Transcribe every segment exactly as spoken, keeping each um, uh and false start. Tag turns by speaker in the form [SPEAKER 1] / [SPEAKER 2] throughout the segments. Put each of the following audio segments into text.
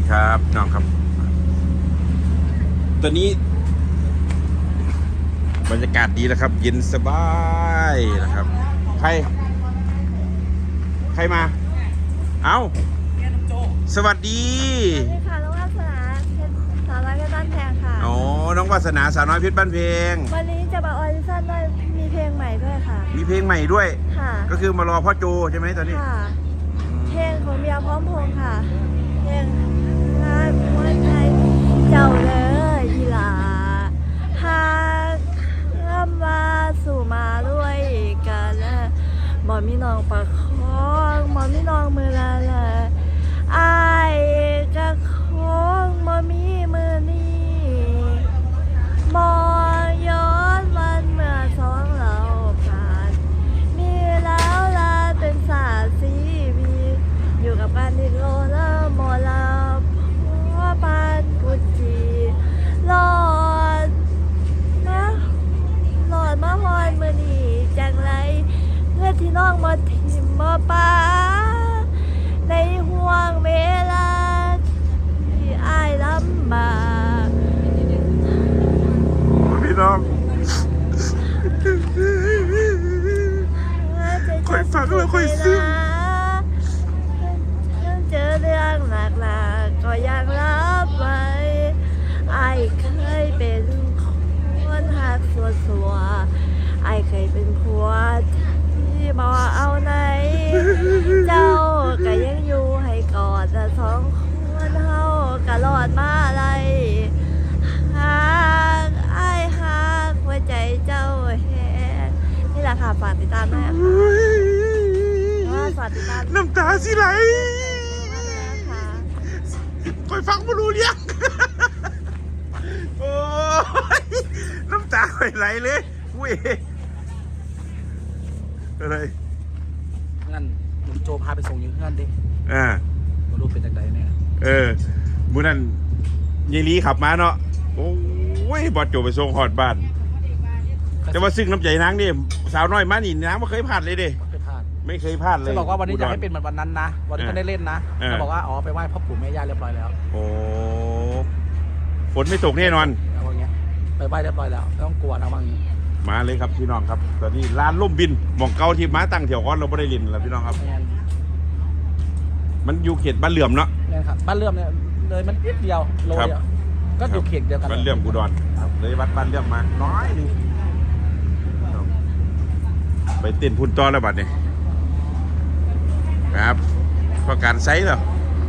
[SPEAKER 1] ครับน้องครับตอนนี้บรรยากาศดีแล้วครับเย็นสบายนะครับใครใครมาเอ้าสวัสดี
[SPEAKER 2] สวัสดีค่ะน้องวาสนาสาวน้อยเพชรบ้านแพงค่ะ
[SPEAKER 1] อ๋อน้องวาสนาสาวน้อยเพชรบ้านเพลง
[SPEAKER 2] วันนี้จะมาออดิชั่นด้วยมีเพลงใหม่ด้วยค่ะ
[SPEAKER 1] มีเพลงใหม่ด้วย
[SPEAKER 2] ค่ะ
[SPEAKER 1] ก็คือมารอพ่อโจใช่ไหมตอนนี้
[SPEAKER 2] ค่ะ เพลงของเบียร์พร้อมพงษ์ค่ะ เพลงรักหัวใจเจ้าเลยยีหลาหากคำว่าสู่มาด้วยกันหมอมีน้องประคองหมอมีน้องมือละละอายกะคงหมอมีมือนี้มอย้อนวันเมื่อสองเราผ่านมีแล้วลาเป็นสาสีวีอยู่กับการดิโลแล้วหมอลาพ่อปานกุจีหลอดนะหลอดมาฮอนมือนี้จังไรเพื่อที่น้องมาทิมมาป้าในห่วงเวลาที่อายลำบาก
[SPEAKER 1] พี่น้องค่อยฟังแล้วค่อยซึ้ง
[SPEAKER 2] เจอเรื่องหนักๆก็ยังรับไว้ไอ้เคยเป็นคนหักสัวสัวไอ้เคยเป็นผัวที่มาเอาไหน เจ้าก็ยังอยู่ให้กอดแต่สองคนเฮาก็รอดมาอะไรหากไอ้หักหัวใจเจ้าแฮนี่แหละค่ะฝากติดตามด้วยค่ะว่าฝากติดตาม
[SPEAKER 1] น้ำตาสิไหล
[SPEAKER 2] นะคะ
[SPEAKER 1] ค่อยฟังไม่รู้เรื่องโอ้ยน้ำตาค่อยไหลเลยเว้ยอะไร
[SPEAKER 3] งั้นลุงโจพาไปส่งอยังเงื่อนดิ
[SPEAKER 1] อ่า
[SPEAKER 3] มาดูเป็นจากใดเนี่ย
[SPEAKER 1] เออมื้อนั้นยายลีขับมาเนาะโอ้ยบอดโจไปส่งฮอดบ้านแต่ว่าซึ่งน้ำใจนางนี่สาวน้อยมานี่นางไม่เคยพลาดเลยเด้
[SPEAKER 3] ไม่เคยพลาด
[SPEAKER 1] ไม่เคยพลาดเลย
[SPEAKER 3] จะบอกว่าวันนี้อยากให้เป็นเหมือนวันนั้นนะ วันนี้ก็ได้เล่นนะ
[SPEAKER 1] เออ
[SPEAKER 3] จะบอกว่าอ๋อไปไหว้พ่อปู่แม่ย่าเรียบร้อยแล้ว
[SPEAKER 1] โอ้ฝนไม่ตกแน่นอน
[SPEAKER 3] แล้วอย่างเงี้ยไปไหว้เรียบร้อยแล้วไม่ต้องกลัวนะว่างี้
[SPEAKER 1] มาเลยครับพี่น้องครับตอนนี้ร้านล่มบินหม่องเก่าที่มาตั้งแถวก้อนเราไม่ได้ลินแล้วพี่น้องครับ
[SPEAKER 3] แม่น
[SPEAKER 1] มันอยู่เขตบ้านเหลื่อมเนาะ
[SPEAKER 3] แม่นครับบ้านเลื่อมเนี่ยเลยมันนิดเดียวโล
[SPEAKER 1] ครับ
[SPEAKER 3] เดียวก็อยู่เขตเดียวกัน
[SPEAKER 1] บ้านเหลื่อมอุดรเลยวัดบ้านเหลื่อมมาน้อยหนึงครับไปเต้นพุ่นต่อแล้วบัดนี้ครับเพราะการไซส์เหรอ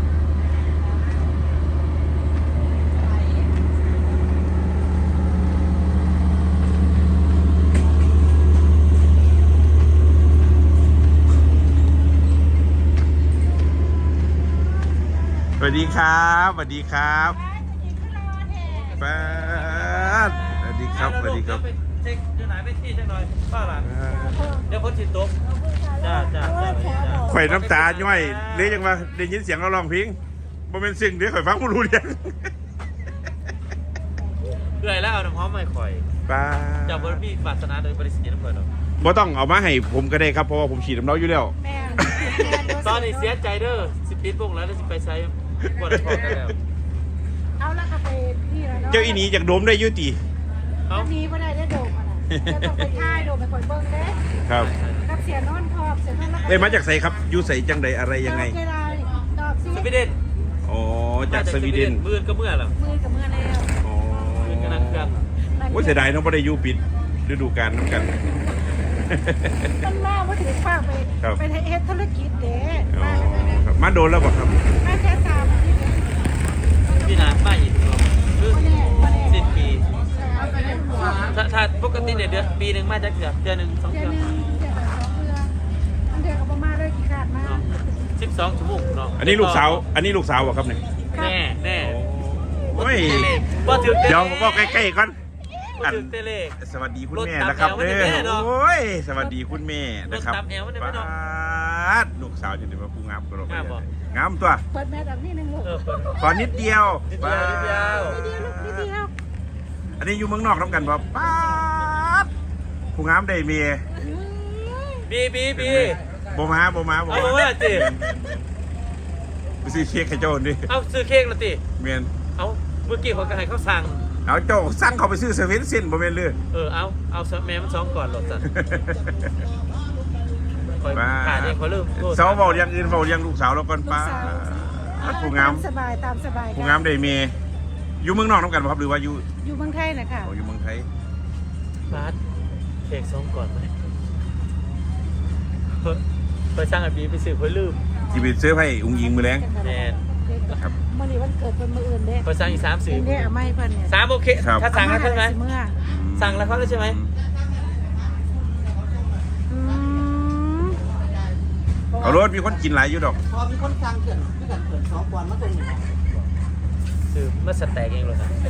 [SPEAKER 1] สวัสดีครับสวัสดีครับป้าดสวัสดีครับสวัสดีครับ
[SPEAKER 4] เช็คเดี๋ยวไหนไปที่เช็คหน่อยป้าหลานเดี๋ยวพ้นสินตกจ้าจ้าจ้าจ้า
[SPEAKER 1] ข่อยน้ำตาย่อยเลยยังว่าได้ยินเสียงเราร้องเพลงบ่เป็นสิ่งเดี๋ยวข่อยฟังไม่รู้เรื่อง
[SPEAKER 4] เอื่อยแล้วเอาน้ำหอมไม่ข่อย
[SPEAKER 1] ป้า
[SPEAKER 4] จากบริษัทปรารถนาโดยบริษัทน้ำเกลือหรอก
[SPEAKER 1] บ่ต้องเอามาให้ผมก็ได้ครับเพราะว่าผมฉีดน้ำเล้าอยู่แล้ว
[SPEAKER 2] แม่
[SPEAKER 4] ตอนนี้เสียใจเด้อสิปิดวงแล้วแล้วสิไปใช้ปวดคอกันแล้ว
[SPEAKER 5] เอาละค่ะไปพี่แล้วเนาะ
[SPEAKER 1] เจ้าอีนี้จากโดมได้อยุติ
[SPEAKER 4] เอ้า
[SPEAKER 5] อันนี้ไม่ได้ได้โดมอ่ะนะจะต้องไปท่ายโดมไปคอยเบิ้งเด้
[SPEAKER 1] ครับ
[SPEAKER 5] กับเสียนอนพอบเสียนอนแล้ว
[SPEAKER 1] ได้มาจากไสครับอยู่ใสจังใดอะไรยังไง
[SPEAKER 5] เวลาตอบซิ
[SPEAKER 4] สวีเดน
[SPEAKER 1] อ๋อจากสวีเดน
[SPEAKER 4] มื่นก็เมื่อหรอ
[SPEAKER 5] มือกับมือแล้ว
[SPEAKER 1] อ๋อ
[SPEAKER 4] มื่นก็นั่งเครื่อง
[SPEAKER 1] โอ้ยเสียดายเน้องบ่ได้อยู่ปิดฤดูกาลน้ำกัน
[SPEAKER 5] มันเล่าว่าถือฝากไป
[SPEAKER 1] ครับ
[SPEAKER 5] ไปเฮ็ดธุรกิจเด้
[SPEAKER 1] อ๋อครับมาโดนแล้วบ่ครับ
[SPEAKER 5] มาแค่สามอาทิตย์
[SPEAKER 4] พี่นาป้าอีกคือ
[SPEAKER 5] มาแน่มาแน่
[SPEAKER 4] สิบปี
[SPEAKER 5] เอาไปเล่นหัว
[SPEAKER 4] ถ้าถ้าปกติเนี่ยเดือนปีหนึ่งมาจากเดือนเดือนหนึ่งสอง
[SPEAKER 5] เดื
[SPEAKER 4] เดื
[SPEAKER 5] อ
[SPEAKER 4] อน น
[SPEAKER 5] หนึ่งเดือนสองเดือนอันเดือนกับประมาณเลยกี่ขาดมา
[SPEAKER 4] สิบสองชั่วโมงเนาะ
[SPEAKER 1] อันนี้ลูกสาวอันนี้ลูกสาวบ่ครับเนี่ย
[SPEAKER 4] แน่แน่
[SPEAKER 1] โอ้ย
[SPEAKER 4] ว่าถึงเต
[SPEAKER 1] เดี๋ยว
[SPEAKER 4] เล่
[SPEAKER 1] บอกใกล้ๆก่อน
[SPEAKER 4] ว่าถึงเตเล่
[SPEAKER 1] สวัสดีคุณแม่นะครับ
[SPEAKER 4] รถตามแอวมันจะ
[SPEAKER 1] เด้
[SPEAKER 4] แม่
[SPEAKER 1] อ
[SPEAKER 4] เนาะ
[SPEAKER 1] โอ้ยสวัสดีคุณแม่นะครับ
[SPEAKER 4] รถตามแอวมันจะแม่เนาะ
[SPEAKER 1] ปาดลูกสาวจะได้มาผู้งามกระโดด
[SPEAKER 4] งามบ่
[SPEAKER 1] งามตัว
[SPEAKER 5] เปิดแม่ดังนี่นึงลูก
[SPEAKER 4] เออเปิด
[SPEAKER 1] ขอนิดเดียว
[SPEAKER 4] นิดเดียวนิดเดียว
[SPEAKER 5] นิดเดียวลูกนิดเดียว
[SPEAKER 1] อันนี้อยู่เมืองนอกน้ำกันป่ะปาดผู้งามได้เมีย
[SPEAKER 4] บีบีบี
[SPEAKER 1] โบมาโบมาโบ
[SPEAKER 4] เอา
[SPEAKER 1] มา
[SPEAKER 4] ว่าจิ
[SPEAKER 1] ไปซื้อเค้กให้เจ้าดิ
[SPEAKER 4] เอาซื้อเค้กละติ
[SPEAKER 1] เมียน
[SPEAKER 4] เอาเมื่อกี้คนก็ให้เขาสั่ง
[SPEAKER 1] เอาเจ้าสั่งเขาไปซื้อเซเว่นเส้นบ่แม่นเลย
[SPEAKER 4] เออเอาเอาแม่มันสองก่อนหลดจ้ะคอยขาดเองเขาเริ่มโทษ
[SPEAKER 1] สาวเว้าอย่างอื่นเว้าอย่างลูกสาวแล้วก่อนป้าผู้งาม
[SPEAKER 5] ตสบายตามสบาย
[SPEAKER 1] ผู้งามได้เมียอยู่เมืองนอกนํกันบ่ครับหรือว่าอยู่
[SPEAKER 5] อยู่เมืองไทยนะค่ะ
[SPEAKER 1] อ๋ออยู่เมืองไทย
[SPEAKER 4] บาสเค้กสองก่อนไหมคอยสั่งไอ้บีไปซื้อคอยลืม
[SPEAKER 1] สิไปซื้อให้อุ้งอิงมื้อแลง
[SPEAKER 4] แมน
[SPEAKER 1] ครับ
[SPEAKER 5] มื่อนี้วันเกิดเป็นมื่ออื่นเด้
[SPEAKER 4] คอยสั่งอีกสามสื่อ
[SPEAKER 5] เด้เอาไม่เพิ่นเนี่ย
[SPEAKER 4] สามโอเค
[SPEAKER 1] ครับ
[SPEAKER 4] ถ้าสั่งแล้วใช่ไหม
[SPEAKER 5] เมื่อ
[SPEAKER 4] สั่งแล้วเขาแล้วใช่ไหม
[SPEAKER 5] อืม
[SPEAKER 1] เอารถมีคนกินหลายอยู่ดอก
[SPEAKER 3] พอมีคนสั่งเกินที่กันเกินสองกวนมาตรงนี้
[SPEAKER 4] ซื้อเมื่อสแต็กเองเลยนะ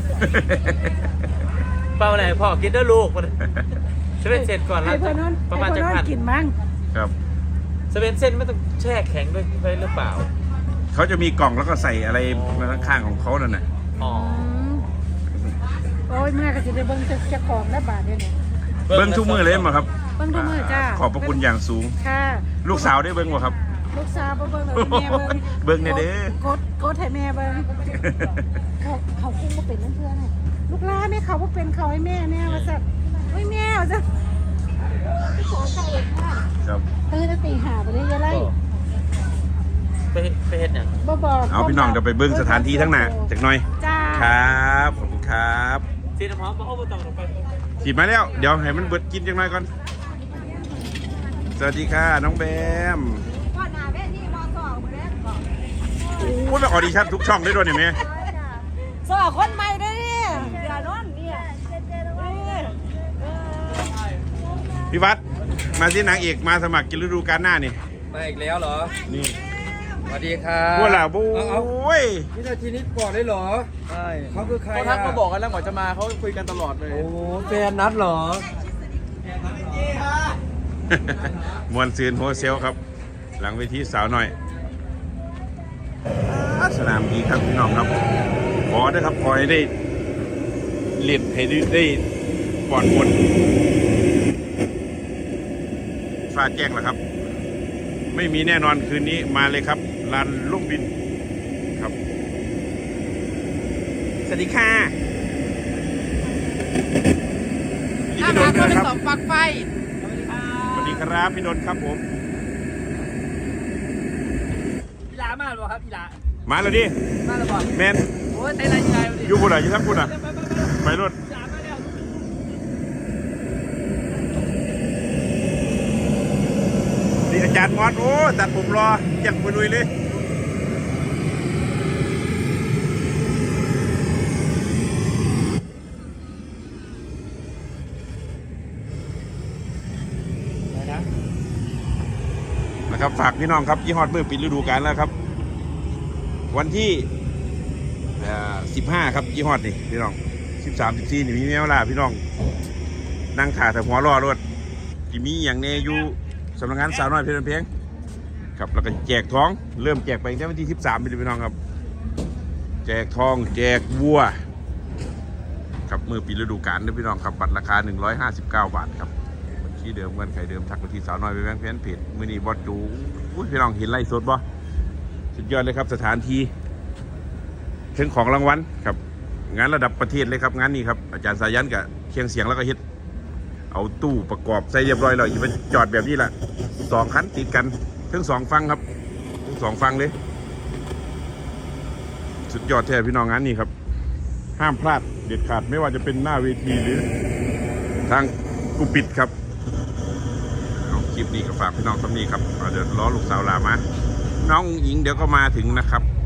[SPEAKER 4] เปล่าไหนพ่อกินด้วยลูกมันเซเว่นเสร็จก่อนแล้ว
[SPEAKER 5] ให้เพิ่นนอน
[SPEAKER 4] ประมาณ
[SPEAKER 5] ให้
[SPEAKER 4] จะ
[SPEAKER 5] เพิ่นนอ
[SPEAKER 4] พัน
[SPEAKER 5] นกินมั้ง
[SPEAKER 1] ครับ
[SPEAKER 4] เซเว่นเส้นไม่ต้องแช่แข็งด้วยไปหรือเปล่า
[SPEAKER 1] เขาจะมีกล่องแล้วก็ใส่อะไรมาข้างๆของเขานั่นน่ะ
[SPEAKER 4] อ๋อ
[SPEAKER 5] อืมโอ้ยเมื่อก็สิได้เบิ่งเจ้าของและบาทเด้เนี่ย
[SPEAKER 1] เบิ้งทุกมือเลยมั้งครับ
[SPEAKER 5] เบิ่งทุกมื้อจ้า
[SPEAKER 1] ขอบพระคุณอย่างสูง
[SPEAKER 5] ค่ะ
[SPEAKER 1] ลูกสาวได้เบิ้งบ่ครับ
[SPEAKER 5] ลูกสาวบ่เบิ่งเลยแม่เบิ่ง
[SPEAKER 1] เบิ่งแน่เด้อ
[SPEAKER 5] กดกดให้แม่เบิ่งเขาเขาคุ้มบ่เป็นนั่นเพื่อนน่ะลูกหลานแม่เขาบ่เป็นเขาให้แม่แน่ว่าซั่นโอ้ยแม่ว่าซั่นขอใจเลยค่ะ
[SPEAKER 1] ครับ
[SPEAKER 5] ตื่นแต่ตีห้าไปเลยยายไล่
[SPEAKER 4] ไปไปเฮ็ดอย่าง
[SPEAKER 5] บ่บอก
[SPEAKER 1] เอาพี่น้องจะไปเบิ้งสถานที่ทั้งหน้าจักหน่อย
[SPEAKER 5] จ้า
[SPEAKER 1] ครับขอบคุณครับ
[SPEAKER 4] ซีน้ำหอมมาเอาไปต่อลงไป
[SPEAKER 1] ขีดมาแล้วเดี๋ยวให้มันเบิดกินจักหน่อยก่อนสวัสดีค่ะน้องแบม
[SPEAKER 2] พ่อหน้าแม่นี่มอสองมาแล้วบอก
[SPEAKER 1] โอ้ยไปออดิชั่นทุกช่องได้ด้วยนี่แม่
[SPEAKER 5] สอบคนใหม่เด้อเนี่ย
[SPEAKER 2] อย่านอนเนี่ยเจ๊เจ๊ระวัง
[SPEAKER 1] พี่วัดมาที่นางเอกมาสมัครกินฤดูกาลหน้านี่
[SPEAKER 3] มาอีกแล้วเหรอ
[SPEAKER 1] นี่
[SPEAKER 3] สวัสดีครับ
[SPEAKER 1] พวกเราโ
[SPEAKER 3] เอาเอา
[SPEAKER 1] อ้ย
[SPEAKER 3] วินาทีนี้ก่อนได้เหรอ
[SPEAKER 6] ใช่
[SPEAKER 3] เขาคือใคร
[SPEAKER 6] เขาทักมาบอกกันแล้วก่อนจะมาเขาคุยกันตลอดเลย
[SPEAKER 3] โอ้แฟนนัดเหรอ
[SPEAKER 1] มวนซืนโฮเซลครับ หลังเวทีสาวหน่อยอ่าสนามดีครับพี่น้องครับ ขอได้ครับขอให้ได้เลียนให้ได้ได้ปลอดบนฟ้าแจ้งแล้วครับ ไม่มีแน่นอนคืนนี้มาเลยครับลานลูกบินครับ สวัสดีค่ะพี่ดนนะครับ
[SPEAKER 6] สองปลั๊กไฟ
[SPEAKER 1] สวัสดีครับพี่ดนครับผม
[SPEAKER 6] อีหลามาหรอครับอีหลา
[SPEAKER 1] มาแล้วดิ
[SPEAKER 6] มาหรอบอก
[SPEAKER 1] แมน
[SPEAKER 6] โอ้ยใจไรใจวันนี้
[SPEAKER 1] อยู่บุญอ่ะอยู่ทั้งบุญอ่ะไปรถ
[SPEAKER 6] อีหลามาแล้ว
[SPEAKER 1] ดีอาจารย์มอสโอ้ตัดผมรอยังปุยลุยเลยนะครับฝากพี่น้องครับยี่ห้อมือปิดฤดูกาลแล้วครับ วันที่สิบห้าครับยี่ห้อนี่พี่น้องสิบสามสิบสี่นี่มีเวลาพี่น้องนั่งขาแต่หัวรอรถที่มีอย่างเนอยู่สำนักงานสาวน้อยเพลินเพลงครับแล้วก็แจกทองเริ่มแจกไปตั้งแต่วันที่สิบสามพี่น้องครับแจกทองแจกวัวครับมือปิดฤดูกาลนะพี่น้องครับบัตรราคาหนึ่งร้อยห้าสิบเก้าบาทครับที่เดิมเงินไขเดิมทักไปที่สาวน้อยไปแบงค์เพนเพจมือนี้บอสจูอุ้ยพี่น้องเห็นไล่สดบ่สุดยอดเลยครับสถานที่ถึงของรางวัลครับงานระดับประเทศเลยครับงานนี้ครับอาจารย์สายันกับเคียงเสียงแล้วก็เฮ็ดเอาตู้ประกอบใส่เรียบร้อยแล้วอย่าไปจอดแบบนี้แหละสองคันติดกันทั้งสองฟังครับทั้งสองฟังเลยสุดยอดแท้พี่น้องงานนี้ครับห้ามพลาดเด็ดขาดไม่ว่าจะเป็นหน้าเวทีหรือทางกูปิดครับคลิปนี้ก็ฝากพี่น้องสำนีครับเดี๋ยวรอลูกสาวลามาน้องหญิงเดี๋ยวก็มาถึงนะครับ